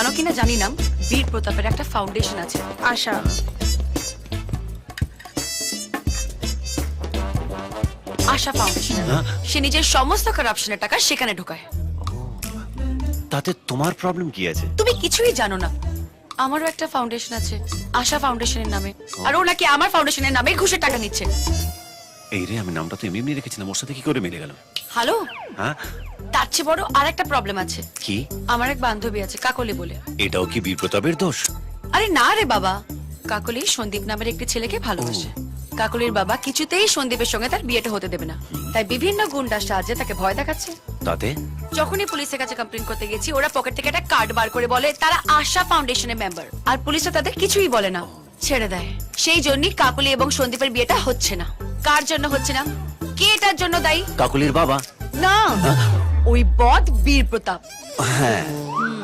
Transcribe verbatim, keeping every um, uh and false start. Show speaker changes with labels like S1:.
S1: জানো কিনা জানি না, বীর প্রতাপের একটা ফাউন্ডেশন আছে, আশা। আশা ফাউন্ডেশন। সে নিজের সমস্ত কারাপশনের টাকা সেখানে ঢোকায়।
S2: তাতে তোমার প্রবলেম কি আছে?
S1: তুমি কিছুই জানো না। আমারও একটা ফাউন্ডেশন আছে, আশা ফাউন্ডেশনের নামে, আর ও নাকি আমার ফাউন্ডেশনের নামে ঘুষের টাকা নিচ্ছে।
S2: এই রে, আমি নামটা তো এমনি এমনি রেখেছিলাম, ওর সাথে কি করে মিলে গেল?
S1: হ্যালো,
S2: হ্যাঁ,
S1: তার চেয়ে বড় আর একটা প্রবলেম আছে।
S2: কি?
S1: আমার এক বান্ধবী আছে কাকলি বলে।
S2: এটাও কি বীর প্রতাপের দোষ?
S1: আরে না রে বাবা, কাকলি সন্দীপ নামের একটি ছেলেকে ভালোবাসে। কাকলির বাবা কিছুতেই সন্দীপের সঙ্গে তার বিয়েটা হতে দেবে না, তাই বিভিন্ন গুন্ডার সাহায্যে তাকে ভয় দেখাচ্ছে।
S2: তাতে
S1: যখনই পুলিশের কাছে কমপ্লেন করতে গেছি, ওরা পকেট থেকে একটা কার্ড বার করে বলে তারা আশা ফাউন্ডেশনের মেম্বার, আর পুলিশও তাদের কিছুই বলে না, ছেড়ে দেয়। সেই জন্যই কাকলি এবং সন্দীপের বিয়েটা হচ্ছে না। কার জন্য হচ্ছে না? কে এটার জন্য দায়ী?
S2: কাকুলির বাবা।
S1: না, ওই বদ বীর প্রতাপ।
S2: হ্যাঁ,
S1: হুম,